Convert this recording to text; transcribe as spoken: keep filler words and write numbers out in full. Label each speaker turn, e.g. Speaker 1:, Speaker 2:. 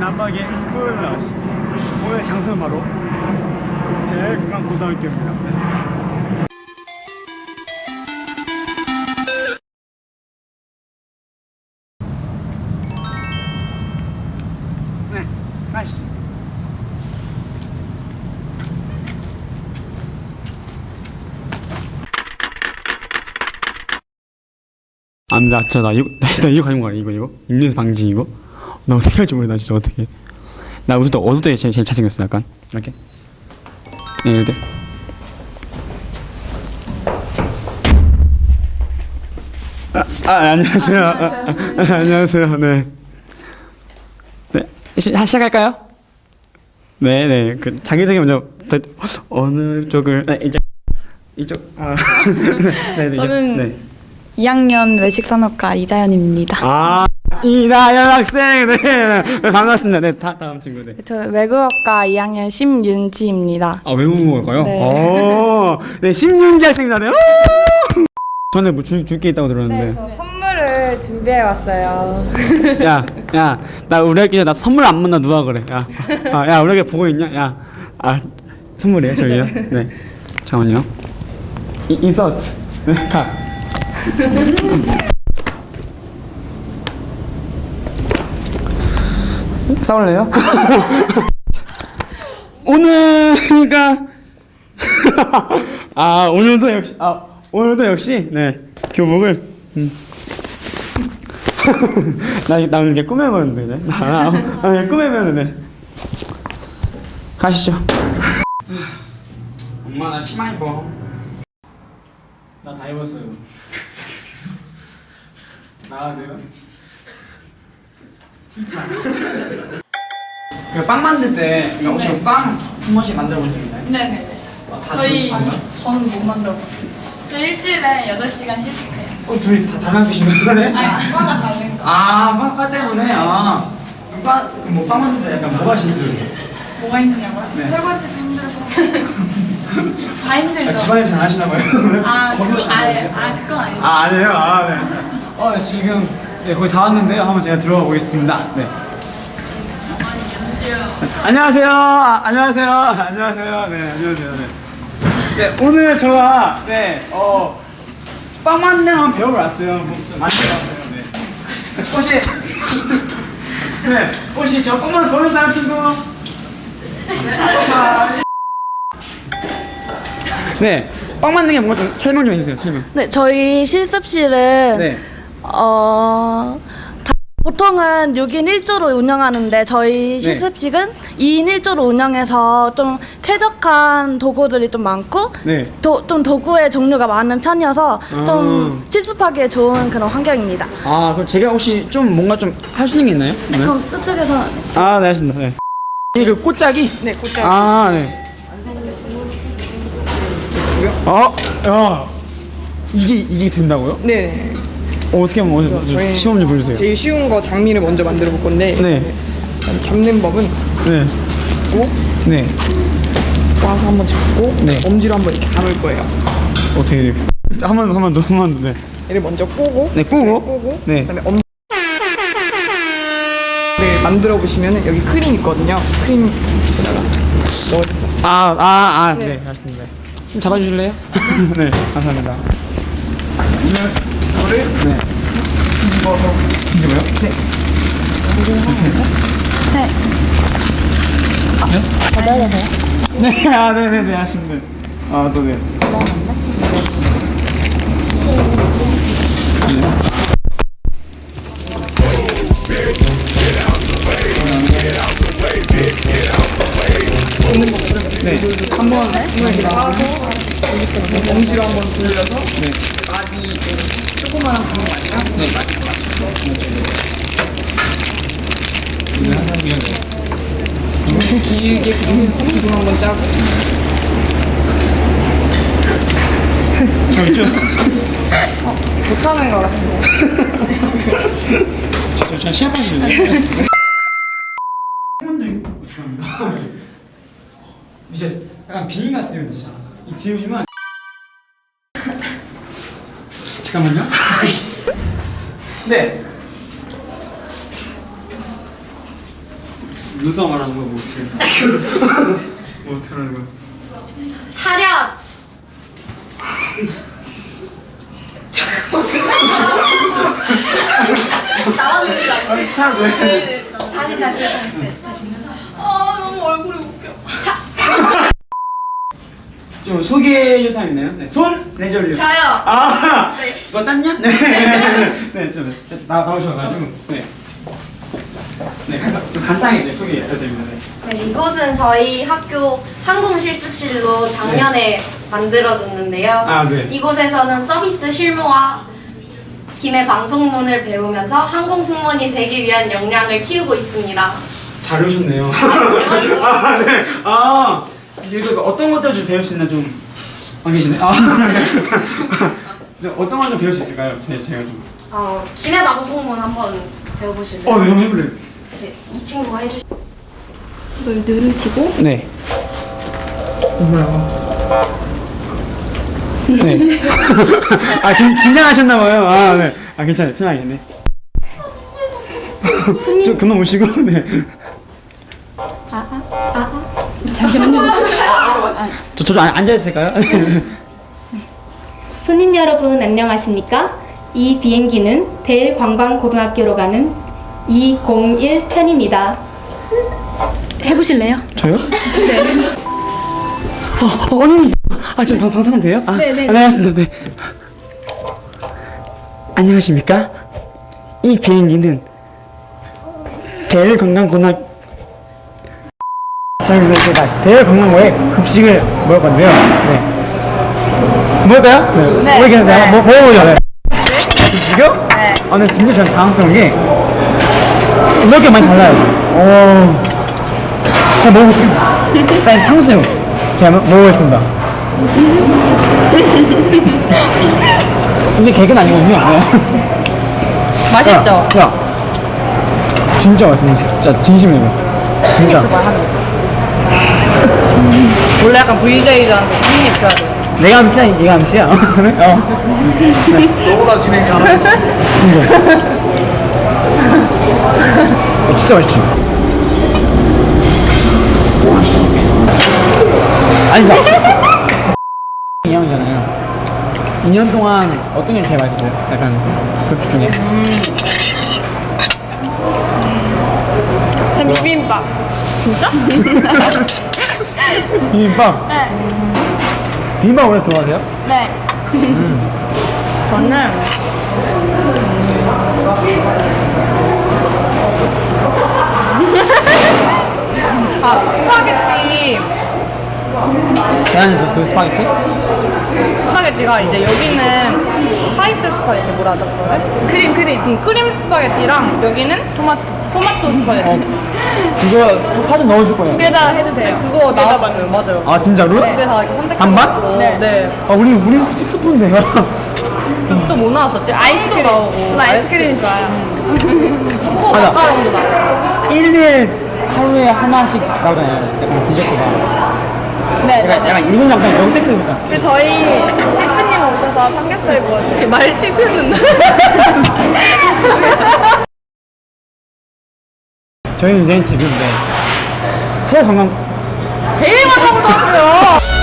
Speaker 1: 남방의 스쿨러시. 오늘 장소는 바로 대금강고등학교입니다. 네, 네 가시죠. 안 돼, 진짜 나 이거 나, 나 이거 가진 거야. 이거 이거 인류의 방지 이거. 나 어떻게 할지 모르겠다. 진짜 어떻게. 나 웃을 때 어두울 때 제일, 제일 잘생겼어. 약간 이렇게. 네, 이럴 때. 아, 아 안녕하세요. 아, 아, 아, 안녕하세요. 네. 네, 시, 시작할까요? 네, 네. 그 자기소개 먼저. 어느 쪽을? 네, 이쪽. 이쪽. 아. 네, 네.
Speaker 2: 저는
Speaker 1: 네.
Speaker 2: 이 학년 외식산업과 이다연입니다.
Speaker 1: 아, 이다연 학생. 네, 네, 반갑습니다. 네, 다, 다음 친구. 네.
Speaker 2: 저 외국어과 이 학년 심윤지입니다.
Speaker 1: 아, 외국어일까요?
Speaker 2: 네.
Speaker 1: 오, 네, 심윤지 학생입니다. 네. 전에 뭐 줄 줄 게 있다고 들었는데.
Speaker 2: 저 선물을 준비해 왔어요.
Speaker 1: 야, 야, 나 우리 학교 나 선물 안 받나 누가 그래? 야, 아, 야, 우리 학교 보고 있냐? 야, 아, 선물이에요, 저기요. 네, 잠깐만요. 이, 인서트. 네, 가. 싸울래요? 오늘이가 아 오늘도 역시 아 오늘도 역시 네 교복을 음. 나나 이렇게 꾸며봤는데 네. 나, 나 그냥 꾸며봤는데 가시죠. 엄마 나 치마 입어. 나 다 입었어요. 나가야 돼요? 빵 만들 때 혹시
Speaker 2: 네.
Speaker 1: 빵 한 번씩 만들어 본 적 있나요?
Speaker 2: 네네네. 저희 저는 못 만들어봤어요. 저 일주일에 여덟 시간 실습해요.
Speaker 1: 어 둘이 다 다른 학교신 거네?
Speaker 2: 아니, 과가 다른 거.
Speaker 1: 아 빵과 때문에 아 빵, 그럼 뭐빵 만들 때 약간 뭐가 힘들어요?
Speaker 2: 뭐가 힘드냐고요?
Speaker 1: 네.
Speaker 2: 설거지도 힘들고 다 힘들죠.
Speaker 1: 아, 집안일 잘 하시나 봐요?
Speaker 2: 아,
Speaker 1: 거기
Speaker 2: 그,
Speaker 1: 잘
Speaker 2: 아,
Speaker 1: 하는데?
Speaker 2: 아, 그건 아니죠.
Speaker 1: 아 아니에요? 아 네. 어 지금 네, 거의 다 왔는데요. 한번 제가 들어가 보겠습니다. 네. 안녕하세요. 아, 안녕하세요. 안녕하세요. 네, 안녕하세요. 네. 네, 오늘 제가 네, 어, 빵 만드는 거 배우러 왔어요. 뭐, 좀 만들어 왔어요. 네. 혹시 네, 혹시 저 빵 만들 도는 사람 친구? 네, 빵 만드는 게 뭔가 좀 설명 좀 해주세요. 설명.
Speaker 2: 네, 저희 실습실은
Speaker 1: 네.
Speaker 2: 어 다, 보통은 육 인 일 조로 운영하는데 저희 실습실은 이 인 일 조로 운영해서 좀 쾌적한 도구들이 좀 많고
Speaker 1: 네.
Speaker 2: 도, 좀 도구의 종류가 많은 편이어서 좀
Speaker 1: 아.
Speaker 2: 실습하기에 좋은 그런 환경입니다.
Speaker 1: 아, 그럼 제가 혹시 좀 뭔가 좀 할 수 있는 게 있나요?
Speaker 2: 네, 그럼 저쪽에서
Speaker 1: 아, 네, 알겠습니다. 네. 이게 그 꽃짜기?
Speaker 2: 네, 꽃짜기.
Speaker 1: 아, 네. 어, 야, 이게 이게 된다고요?
Speaker 3: 네,
Speaker 1: 어, 어떻게 하면 어떻게
Speaker 3: 저희
Speaker 1: 시험 좀 보여주세요.
Speaker 3: 제일 쉬운 거 장미를 먼저 만들어 볼 건데
Speaker 1: 네,
Speaker 3: 잡는 법은
Speaker 1: 네,
Speaker 3: 꼭
Speaker 1: 네.
Speaker 3: 와서 한번 잡고
Speaker 1: 네.
Speaker 3: 엄지로 한번 이렇게 감을 거예요.
Speaker 1: 어떻게 돼? 한번 한 번 더, 한 번 더. 네.
Speaker 3: 얘를 먼저 꼬고
Speaker 1: 네, 꼬고.
Speaker 3: 꼬고
Speaker 1: 네.
Speaker 3: 그다음에 엄 네, 만들어 보시면은 여기 크림 있거든요. 크림에다가 넣어주세요.
Speaker 1: 아, 아, 아, 네,
Speaker 3: 네.
Speaker 1: 알겠습니다. 좀 잡아주실래요? 네, 감사합니다. 이거를 네. 뒤집어서 뒤집어요? 네.
Speaker 2: 네.
Speaker 1: 네?
Speaker 2: 잡아야 돼요?
Speaker 1: 네, 아, 네, 네, 네, 알겠습니다. 아, 또 네. 네, 한번
Speaker 3: 이렇게 따서 엄지로 한번 돌려서
Speaker 1: 네.
Speaker 3: 많이 조그만한 구멍 아니라
Speaker 1: 네.
Speaker 3: 이렇게 길게 구멍 한번 짜고 못하는 것 같은데.
Speaker 1: 저, 저 시합하시는데. 한번도 죄송합니다. 이제 약간 비행 같아요, 진짜. 이 뒤에 보시면 잠깐만요. 네. 누가 말하는 거야 뭐 어떻게? 뭐 어떻게 하는 거야?
Speaker 4: 차렷. 나왔는지
Speaker 1: 아니 참 왜?
Speaker 4: 다시 다시 다시 다시.
Speaker 3: 아 너무 얼굴이 웃겨.
Speaker 4: 차.
Speaker 1: 좀 소개해 줄 사람 있나요? 네. 손 내절요.
Speaker 4: 저요.
Speaker 1: 아,
Speaker 4: 네.
Speaker 1: 너 짰냐? 네, 네, 네, 좀 나, 나오셔가지고 네, 네, 간, 좀 간단하게 네, 소개 부탁드립니다. 네.
Speaker 4: 네, 이곳은 저희 학교 항공 실습실로 작년에 만들어졌는데요.
Speaker 1: 아, 네.
Speaker 4: 이곳에서는 서비스 실무와 기내 방송문을 배우면서 항공 승무원이 되기 위한 역량을 키우고 있습니다.
Speaker 1: 잘 오셨네요.
Speaker 4: 대박이죠?
Speaker 1: 아, 네. 아, 여기서 어떤 것들 좀 배울 수 있나 좀 안 계시네. 아, 이제 어떤 걸 좀 배울 수 있을까요? 네, 제가 좀.
Speaker 4: 어, 기내 방송문 한번 배워보실래요?
Speaker 1: 어, 네, 한번 해볼래요.
Speaker 4: 네, 이 친구가 해주시.
Speaker 2: 이걸 누르시고
Speaker 1: 네. 엄마야. 네. 아, 긴, 긴장하셨나봐요. 아, 네. 아, 괜찮아요. 편하게, 네. 좀 그만 오시고, 네.
Speaker 2: 잠시만요.
Speaker 1: 저, 저 좀 앉아있을까요?
Speaker 5: 손님 여러분 안녕하십니까? 이 비행기는 대일관광고등학교로 가는 이공일 편입니다.
Speaker 2: 해보실래요?
Speaker 1: 저요? 네. 어, 어, 언니! 아, 지금 방, 방송은 돼요? 아,
Speaker 2: 네, 네.
Speaker 1: 안녕하십니까. 네. 안녕하십니까? 이 비행기는 대일관광고등학교 자, 그래서 제가 대일관광고에 급식을 먹을 건데요. 네. 먹을까요? 네. 네. 뭐 이렇게 네. 뭐 먹어보죠. 네. 급식이요? 네. 아, 근데 진짜 저는 당황스러운 게 먹을 게 많이 달라요. 오. 제가 먹어볼게요. 일단 탕수육 제가 먹- 먹어보겠습니다. 이게 개그는 아니거든요. 네.
Speaker 3: 맛있죠?
Speaker 1: 야, 야. 진짜 맛있어. 진짜 진심이에요. 진짜.
Speaker 3: 원래 약간 브이제이들한테 한입 줘야 돼.
Speaker 1: 내가 암치야, 얘가 암치야. 네? 어.
Speaker 6: 너보다 진행 잘하는
Speaker 1: 어, 진짜 맛있지. 아니, 그니까. 이 년이잖아요. 이 년 동안 어떤 게 제일 맛있어요? 약간 급식 중에.
Speaker 3: 전 비빔밥. 진짜?
Speaker 1: 비빔밥?
Speaker 3: 네.
Speaker 1: 비빔밥 원래 좋아하세요?
Speaker 3: 네. 저는 아 스파게티
Speaker 1: 대한이 그, 그 스파게티?
Speaker 3: 스파게티가 이제 여기는 화이트 스파게티 뭐라 하죠 그거를? 크림 크림. 응, 크림 스파게티랑 여기는 토마토 토마토 스파게티.
Speaker 1: 어, 그거 사, 사진 넣어줄 거예요.
Speaker 3: 두 개 다 해도 돼요. 그거 나왔어요. 맞아요.
Speaker 1: 아, 진짜로?
Speaker 3: 두 개 다 이렇게 선택해.
Speaker 1: 반반?
Speaker 3: 네. 네.
Speaker 1: 아, 우리, 우리 스- 스푼데요.
Speaker 3: 또 뭐 나왔었지? 아이스도 나오고. 전 아이스크림 좋아요. 초코
Speaker 1: 맞아.
Speaker 3: 마카롱도 나오고.
Speaker 1: 일일 하루에 하나씩 나오잖아요. 약간 디저트가.
Speaker 3: 네.
Speaker 1: 약간, 약간 이건 약간 역대급이다.
Speaker 3: 근데 저희 셰프님 오셔서 삼겹살 구워주세요. 말 씹히는
Speaker 1: 저희는 이제 지금 네. 서울 관광
Speaker 3: 대일 만나고 나왔어요.